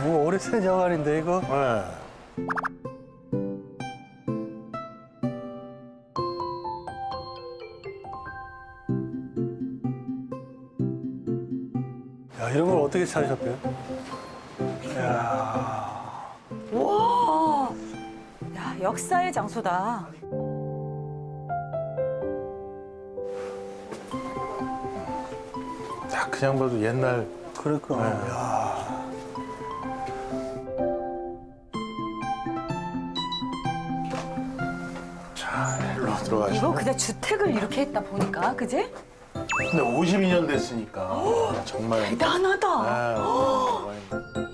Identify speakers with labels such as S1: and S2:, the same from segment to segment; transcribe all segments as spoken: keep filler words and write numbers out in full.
S1: 뭐 오래된 영화인데 이거.
S2: 네.
S1: 야, 이런 걸 어떻게 찾으셨대요? 야,
S3: 와, 야 역사의 장소다.
S2: 딱 그냥 봐도 옛날.
S1: 그러니까.
S2: 네.
S1: 야,
S2: 자, 일로 들어가시죠.
S3: 이거 그냥 주택을 이렇게 했다 보니까, 그지?
S2: 근데 오십이 년 됐으니까 정말.
S3: 대단하다.
S2: 아, 들어가 있네.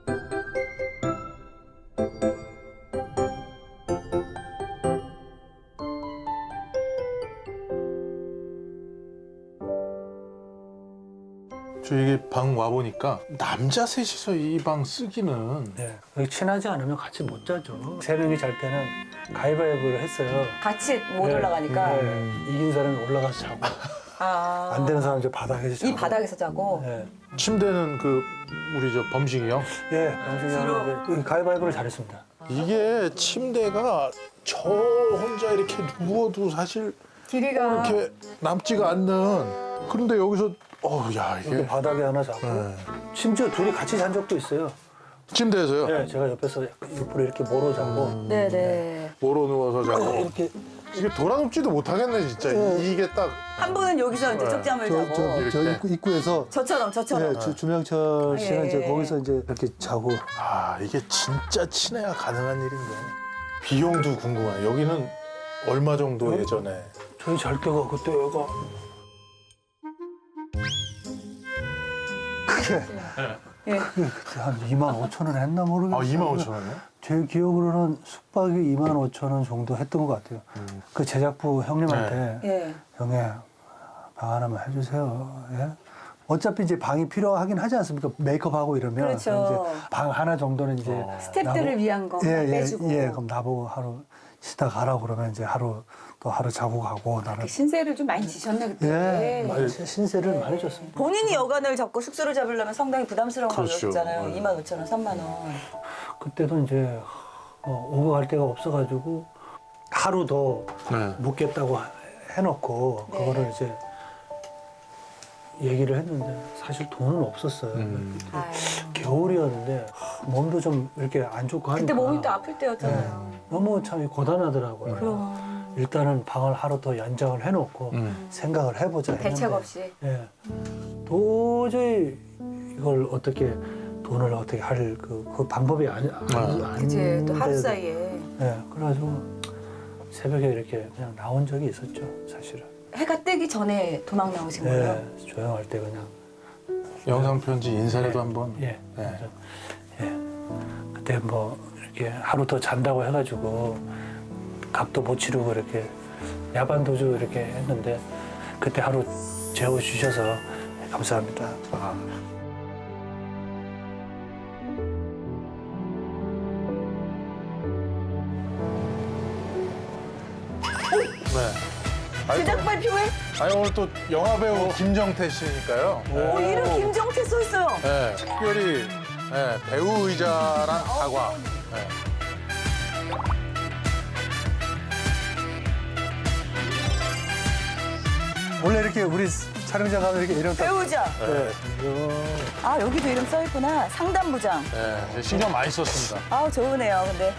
S2: 저 이게 방 와보니까 남자 셋이서 이 방 쓰기는
S1: 네. 여기 친하지 않으면 같이 못 자죠. 세 명이 잘 때는 가위바위보를 했어요.
S3: 같이 못
S1: 네.
S3: 올라가니까.
S1: 네. 이긴 사람이 올라가서 자고
S3: 아.
S1: 안 되는 사람 이제 바닥에서 자고.
S3: 이 바닥에서 자고.
S1: 네.
S2: 침대는 그 우리 저 범식이 형.
S1: 예, 영식이 형은 이제 가위바위보를 잘했습니다.
S2: 이게 침대가 저 혼자 이렇게 누워도 사실
S3: 길이가.
S2: 이렇게 남지가 않는. 그런데 여기서 어우 야
S1: 이렇게
S2: 이게
S1: 바닥에 하나 자고
S2: 네.
S1: 심지어 둘이 같이 잔 적도 있어요.
S2: 침대에서요.
S1: 네, 제가 옆에서 옆으로 이렇게 모로 자고
S3: 네네.
S2: 모로 누워서 자고
S1: 이렇게
S2: 이게 돌아눕지도 못하겠네 진짜.
S1: 네.
S2: 이게 딱
S3: 한 분은 여기서 이제
S2: 네.
S3: 쪽잠을
S1: 저,
S3: 자고.
S1: 저, 저
S2: 이렇게.
S1: 입구, 입구에서
S3: 저처럼 저처럼.
S1: 네, 주, 주명철 씨는
S3: 예.
S1: 이제 거기서 이제 이렇게 자고.
S2: 아 이게 진짜 친해야 가능한 일인데. 비용도 궁금해. 여기는 얼마 정도
S1: 네.
S2: 예전에.
S1: 저희 잘 때가 그때 얘가 그게
S3: 예.
S1: 그때 한 이만 오천 원 했나 모르겠어요.
S2: 아 이만 오천 원이요?
S1: 제 기억으로는 숙박이 이만 오천 원 정도 했던 것 같아요.
S2: 음.
S1: 그 제작부 형님한테
S3: 예.
S1: 형님 방 하나만 해주세요. 예? 어차피 이제 방이 필요하긴 하지 않습니까? 메이크업하고 이러면
S3: 그렇죠.
S1: 그럼 이제 방 하나 정도는 이제
S2: 어.
S3: 스태프들을
S1: 나보-
S3: 위한 거
S1: 예, 예,
S3: 빼주고.
S1: 예, 그럼 나보고 하루 쉬다 가라고 그러면 이제 하루 또 하루 자고 가고 나는
S3: 신세를 좀 많이 지셨네 그때.
S1: 예, 많이 신세를 많이 줬습니다.
S3: 본인이 여관을 잡고 숙소를 잡으려면 상당히 부담스러운
S2: 그렇죠.
S3: 가격이잖아요.
S2: 네.
S3: 이만 오천 원, 삼만 원.
S1: 그때도 이제 어, 오고 갈 데가 없어가지고 하루 더
S2: 네.
S1: 묵겠다고 해놓고
S3: 네.
S1: 그거를 이제 얘기를 했는데 사실 돈은 없었어요.
S2: 음.
S3: 아유.
S1: 겨울이었는데 몸도 좀 이렇게 안 좋고 하니까
S3: 그때 몸이 또 아플 때였잖아요.
S1: 너무 참 고단하더라고요.
S3: 그럼
S1: 일단은 방을 하루 더 연장을 해놓고
S2: 음.
S1: 생각을 해보자 했는데
S3: 대책 없이.
S1: 예. 도저히 이걸 어떻게 돈을 어떻게 할 그 그 방법이 아니 아니
S2: 아.
S3: 그치 또 하루
S1: 아닌데도.
S3: 사이에
S1: 예. 그래가지고 새벽에 이렇게 그냥 나온 적이 있었죠, 사실은.
S3: 해가 뜨기 전에 도망 나오신 거예요.
S1: 예. 조용할 때 그냥
S2: 영상 편지 인사라도 한번.
S1: 예.
S2: 네.
S1: 예. 그때 뭐 이렇게 하루 더 잔다고 해가지고 값도 못 치르고 이렇게 야반 도주 이렇게 했는데 그때 하루 재워 주셔서 감사합니다.
S2: 아. 네. 아니, 또,
S3: 제작 발표회?
S2: 아니 오늘 또 영화 배우 김정태 씨니까요.
S3: 어, 이름 김정태 써 있어요.
S2: 네, 특별히 네, 배우 의자랑 사과. 네.
S1: 원래 이렇게 우리 촬영장 가면 이렇게 이름 딱
S3: 배우자.
S1: 네.
S3: 아 여기도 이름 써 있구나. 상담부장.
S2: 네, 신경 많이 썼습니다.
S3: 아우 좋으네요. 근데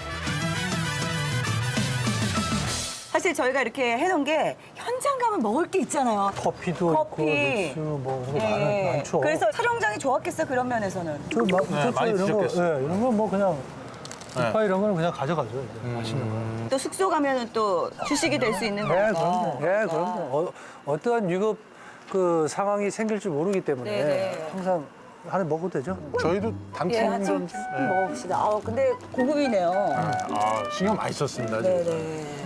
S3: 사실 저희가 이렇게 해놓은 게 현장 가면 먹을 게 있잖아요.
S1: 커피도
S3: 커피.
S1: 있고 맥주 뭐 그런 거 많아,
S3: 예.
S1: 많죠.
S3: 그래서 촬영장이 좋았겠어 그런 면에서는.
S1: 저 막,
S2: 네,
S1: 저, 저
S2: 많이
S1: 이런 거,
S2: 드셨겠어요.
S1: 예, 이런 건 뭐 그냥
S2: 네.
S1: 국화 이런 거는 그냥 가져가죠. 이제 맛있는 거.
S3: 또 숙소 가면은 또 주식이 될 수 있는
S1: 예,
S3: 거니까.
S1: 그럼요. 예, 그럼요. 어, 어떠한 위급 그 상황이 생길지 모르기 때문에
S3: 네네.
S1: 항상 하나 먹어도 되죠.
S2: 저희도
S3: 예,
S2: 당첨
S3: 한참
S2: 좀. 네.
S3: 먹어봅시다. 아 근데 고급이네요.
S2: 아, 신경 많이 썼습니다. 지금.
S3: 네네.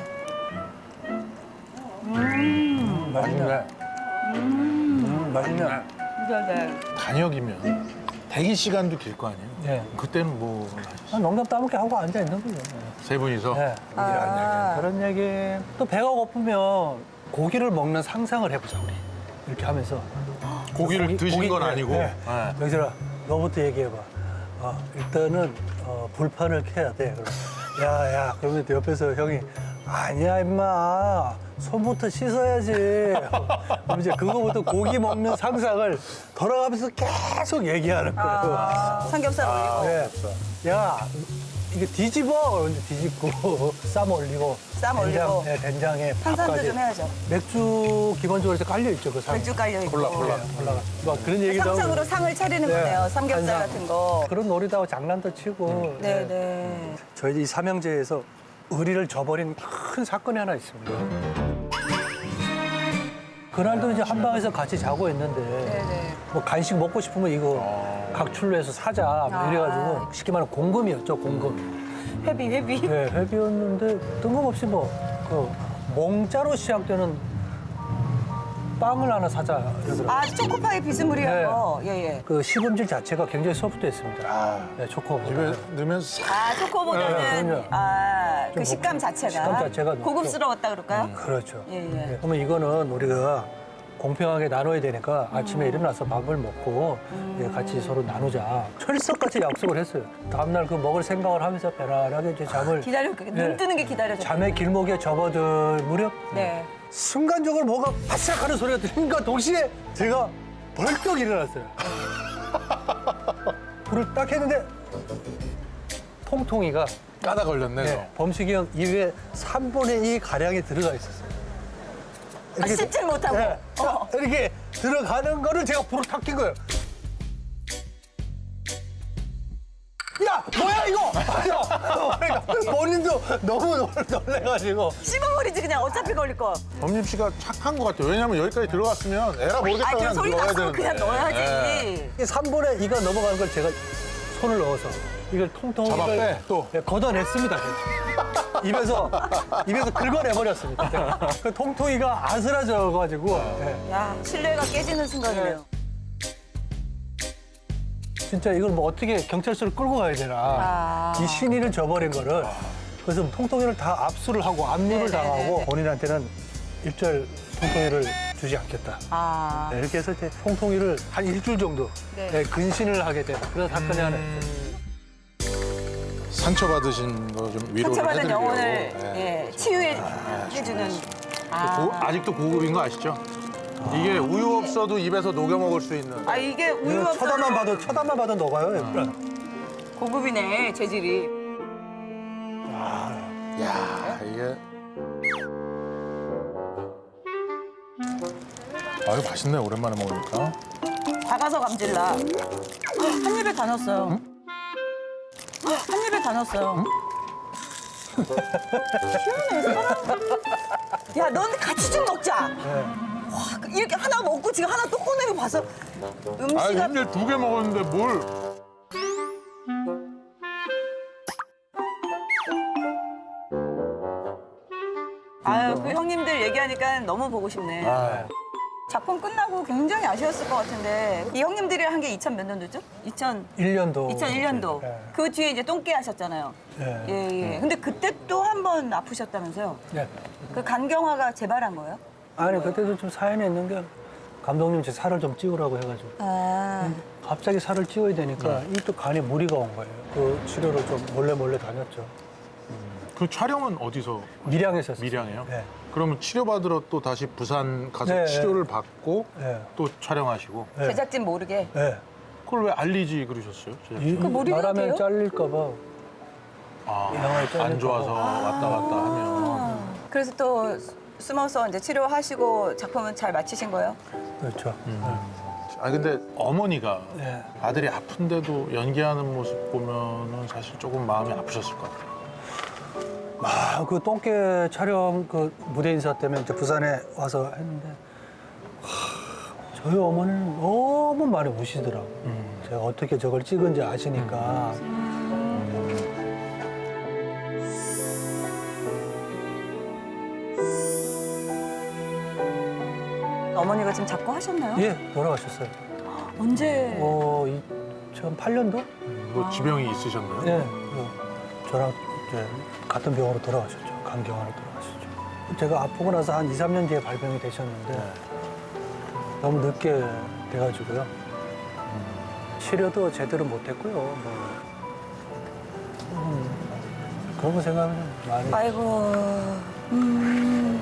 S1: 음, 맛있네. 음, 맛있네.
S3: 네네.
S2: 단역이면 대기 시간도 길 거 아니에요?
S1: 예.
S2: 그때는 뭐 세
S1: 아, 농담 따먹게 하고 앉아 있는 거죠.
S2: 분이서
S1: 예.
S3: 아.
S1: 그런 얘기. 또 배가 고프면 고기를 먹는 상상을 해보자 우리. 이렇게 하면서.
S2: 고기를
S1: 고기-
S2: 드신
S1: 고기-
S2: 건
S1: 예,
S2: 아니고.
S1: 예.
S2: 네.
S1: 명철아, 너부터 얘기해봐. 어, 일단은 어, 불판을 켜야 돼. 그럼 야야 그러면 또 옆에서 형이 아니야 임마 손부터 씻어야지. 그럼 이제 그거부터 고기 먹는 상상을 돌아가면서 계속 얘기하는 거예요.
S3: 아, 삼겹살 올리고.
S1: 네. 야 이게 뒤집어 그런데 뒤집고 쌈 올리고
S3: 쌈
S1: 된장,
S3: 올리고.
S1: 네, 된장에
S3: 탄산도
S1: 밥까지.
S3: 좀 해야죠.
S1: 맥주 기본적으로 이렇게 깔려 있죠 그 상.
S3: 맥주 깔려 있고.
S2: 콜라, 콜라.
S1: 네, 올라가. 막 그런 얘기도 하고.
S3: 상상으로 상을 차리는
S1: 네.
S3: 거네요. 삼겹살
S1: 한상.
S3: 같은 거.
S1: 그런 놀이도 하고 장난도 치고.
S3: 네, 네.
S1: 저희 이 삼형제에서 의리를 저버린 큰 사건이 하나 있습니다. 그날도 이제 한 방에서 같이 자고 있는데
S3: 네, 네.
S1: 뭐 간식 먹고 싶으면 이거 각출로 해서 사자 뭐
S3: 아.
S1: 이래가지고 쉽게 말하면 공금이었죠 공금.
S3: 회비, 회비.
S1: 네, 회비였는데 뜬금없이 뭐 그 몽자로 시작되는 빵을 하나 사자 이러더라고요.
S3: 아, 초코파이 비스무리한
S1: 네.
S3: 거. 예, 예.
S1: 그 시금질 자체가 굉장히 소프트했습니다.
S2: 아,
S1: 네, 초코.
S2: 입에 넣으면 싹.
S3: 아, 초코보다는
S1: 네, 그럼요.
S3: 아, 그
S1: 좀
S3: 식감 자체가.
S1: 식감 자체가 좀-
S3: 고급스러웠다 그럴까요?
S1: 그렇죠.
S3: 예, 예.
S1: 네, 그러면 이거는 우리가 공평하게 나눠야 되니까
S3: 음.
S1: 아침에 일어나서 밥을 먹고 예, 같이 서로 나누자. 철석같이 약속을 했어요. 다음날 그 먹을 생각을 하면서 편안하게 이제 잠을
S3: 기다려, 눈
S1: 네.
S3: 뜨는 게 기다려져.
S1: 잠의 길목에 접어들 무렵
S3: 네.
S1: 순간적으로 뭐가 바싹 하는 소리가 들리니까 동시에 제가 벌떡 일어났어요. 불을 딱 했는데 통통이가
S2: 까다 걸렸네.
S1: 네, 범식이 형 입에 삼분의 이 가량이 들어가 있었어요.
S3: 아, 씹질 못하고.
S1: 네, 자,
S3: 어.
S1: 이렇게 들어가는 거를 제가 불을 탁 킨 거예요. 야, 뭐야 이거? 그러니까 본인도 너무 놀- 놀래가지고.
S3: 씹어버리지 그냥 어차피 걸릴 거.
S2: 범림 씨가 착한 것 같아요. 왜냐면 여기까지 들어갔으면 에라 모르겠다
S3: 아, 그
S2: 그냥
S3: 소리
S2: 넣어야
S3: 났으면
S2: 되는데.
S3: 그냥 넣어야지.
S2: 예.
S1: 이 삼분의 이가 넘어가는 걸 제가 손을 넣어서 이걸 통통
S2: 잡아
S1: 이걸
S2: 빼, 또.
S1: 네, 걷어냈습니다. 제가. 입에서 입에서 긁어내버렸습니다. 그 통통이가 아스라져가지고 네.
S3: 야, 신뢰가 깨지는 순간이네요.
S1: 진짜 이걸 뭐 어떻게 경찰서를 끌고 가야 되나.
S3: 아.
S1: 이 신의를 저버린 거를. 그래서 통통이를 다 압수를 하고 압류를
S3: 네네네네.
S1: 당하고 본인한테는 일절 통통이를 주지 않겠다.
S3: 아.
S1: 네, 이렇게 해서 이제 통통이를 한 일주일 정도
S3: 네.
S1: 네, 근신을 하게 된 그런 사건이 하나 있어요.
S2: 상처받으신 거 좀 위로를
S3: 상처받은
S2: 해드리려고.
S3: 영혼을
S2: 예.
S3: 예, 치유해 해주는. 아.
S2: 고- 아직도 고급인 거 아시죠? 이게 우유 없어도 입에서 녹여 먹을 수 있는.
S3: 아, 이게 우유
S1: 이거
S3: 없어도
S1: 쳐다만 봐도 쳐다만 봐도 녹아요.
S3: 고급이네, 재질이.
S2: 야 이게. 아유 맛있네 오랜만에 먹으니까.
S3: 작아서 감질나. 한 입에 다 넣었어요. 한 입에 다 넣었어요. 희한해. 야, 넌 같이 좀 먹자. 와, 이렇게 하나 먹고 지금 하나 또 꺼내고 봐서
S2: 아
S3: 음식가
S2: 근데 두 개 먹었는데 뭘?
S3: 아유, 그 형님들 얘기하니까 너무 보고 싶네.
S2: 아,
S3: 작품 끝나고 굉장히 아쉬웠을 것 같은데 이 형님들이랑 한 게 이천 몇 년도죠? 이천
S1: 일 년도.
S3: 이천일 년도.
S1: 네.
S3: 그 뒤에 이제 똥개 하셨잖아요.
S1: 네.
S3: 예, 예. 근데 그때 또 한 번 아프셨다면서요?
S1: 네.
S3: 그 간경화가 재발한 거예요?
S1: 아니 그때도 좀 사연이 있는 게 감독님 제 살을 좀 찌우라고 해가지고
S3: 아.
S1: 갑자기 살을 찌워야 되니까 이 또 간에 무리가 온 거예요. 그 치료를 좀 몰래 몰래 다녔죠.
S2: 그 촬영은 어디서?
S1: 밀양에서 했어요.
S2: 밀양에요?
S1: 네.
S2: 그러면 치료받으러 또 다시 부산 가서
S1: 네,
S2: 치료를 받고
S1: 네.
S2: 또 촬영하시고
S1: 네.
S3: 제작진 모르게.
S1: 네.
S2: 그걸 왜 알리지 그러셨어요? 제작진?
S1: 이-
S3: 그 몰입이
S1: 말하면
S3: 돼요?
S1: 잘릴까 봐.
S2: 아,
S1: 영화에 잘릴까
S2: 안 좋아서
S1: 봐.
S2: 왔다 갔다 하면
S3: 그래서 또 숨어서 이제 치료하시고 작품은 잘 마치신 거예요?
S1: 그렇죠.
S2: 아 근데 어머니가
S1: 네.
S2: 아들이 아픈데도 연기하는 모습 보면은 사실 조금 마음이 아프셨을 것 같아요.
S1: 아, 그 똥개 촬영 그 무대 인사 때문에 이제 부산에 와서 했는데 하, 저희 어머니는 너무 많이 우시더라고. 요 제가 어떻게 저걸 찍은지 아시니까.
S3: 어머니가 지금 자꾸 하셨나요?
S1: 예, 돌아가셨어요.
S3: 언제?
S1: 어, 이천팔 년도?
S2: 뭐 지병이 있으셨나요?
S1: 네. 그 저랑 이제 같은 병원으로 돌아가셨죠. 간경화로 돌아가셨죠. 제가 아프고 나서 한 이, 삼 년 뒤에 발병이 되셨는데 너무 늦게 돼가지고요. 치료도 제대로 못했고요. 뭐 음, 그런 거 생각하면 많이.
S3: 아이고. 음.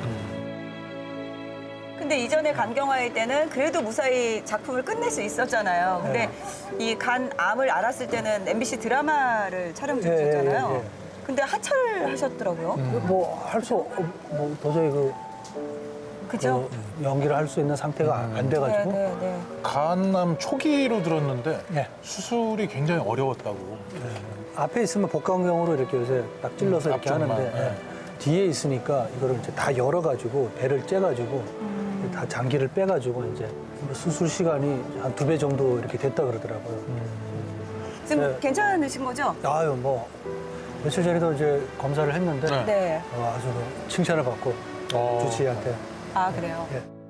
S3: 근데 이전에 간경화일 때는 그래도 무사히 작품을 끝낼 수 있었잖아요. 근데 이 간 암을 알았을 때는 엠비씨 드라마를 촬영 중이셨잖아요.
S1: 예, 예, 예.
S3: 근데 하차를 하셨더라고요.
S1: 뭐 할 수 뭐 도저히 그,
S3: 그죠?
S1: 그 연기를 할 수 있는 상태가 안
S3: 네,
S1: 돼가지고.
S3: 네, 네.
S2: 간암 초기로 들었는데
S1: 네.
S2: 수술이 굉장히 어려웠다고.
S1: 앞에 있으면 복강경으로 이렇게 요새 딱 찔러서
S2: 음,
S1: 이렇게
S2: 앞쪽만,
S1: 하는데
S2: 네.
S1: 예. 뒤에 있으니까 이거를 이제 다 열어가지고 배를 째가지고 다 장기를 빼가지고 이제 수술 시간이 한 두 배 정도 이렇게 됐다 그러더라고요.
S3: 지금
S1: 네.
S3: 괜찮으신 거죠?
S1: 아유 뭐 며칠 전에도 이제 검사를 했는데
S2: 네.
S3: 네.
S1: 어, 아주 그 칭찬을 받고
S2: 어.
S1: 주치의한테
S3: 아, 그래요?
S1: 예.